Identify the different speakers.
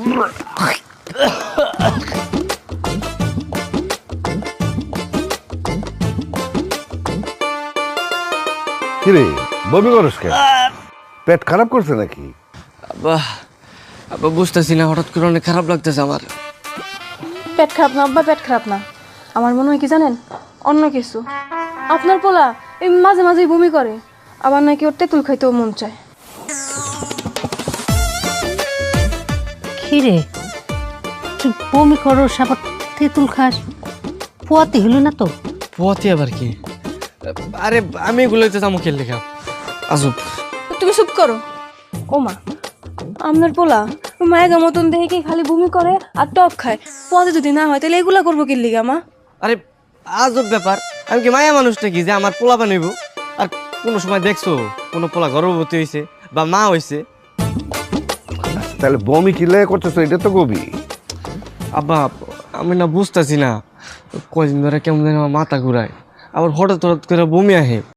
Speaker 1: কিরে বমি করস কেন? পেট খারাপ করছে নাকি?
Speaker 2: আব্বা আব্বা বুঝতেছি না, হঠাৎ করে অনেক খারাপ লাগতেছে আমার।
Speaker 3: পেট খারাপ না আব্বা, পেট খারাপ না। আমার মনে হয় কি জানেন, অন্য কিছু। আপনার পোলা এই মাঝে মাঝেই বমি করে, আবার নাকি ওর তেঁতুল খাইতেও মন চায়।
Speaker 4: খিরে তুই বমি করস আবার তেঁতুল খাস, পোয়াতে হলো না তো?
Speaker 2: পথে আবার কি? আরে আমি এগুলোতে যাবো খেল লেখা আসুক।
Speaker 3: তুমি চুপ করো। ও মা, আপনার পোলা মায়ের মতন দেখে কি খালি বমি করে আর টক খায়, পথে যদি না হয় তাহলে এগুলা করবো কি লিগা মা?
Speaker 2: আরে আজব ব্যাপার, আমি কি মায়া মানুষটা কি যে আমার পোলা বানাইব? আর কোনো সময় দেখছো কোনো পোলা গর্ভবতী হয়েছে বা মা হয়েছে?
Speaker 1: তাহলে বমি কি লেগে করতেছ এটা তো কবি।
Speaker 2: আব্বা আমি না বুঝতেছি না, কয়দিন ধরে কেমন যেন আমার মাথা ঘুরায়, আবার হঠাৎ হঠাৎ করে বমি আহে।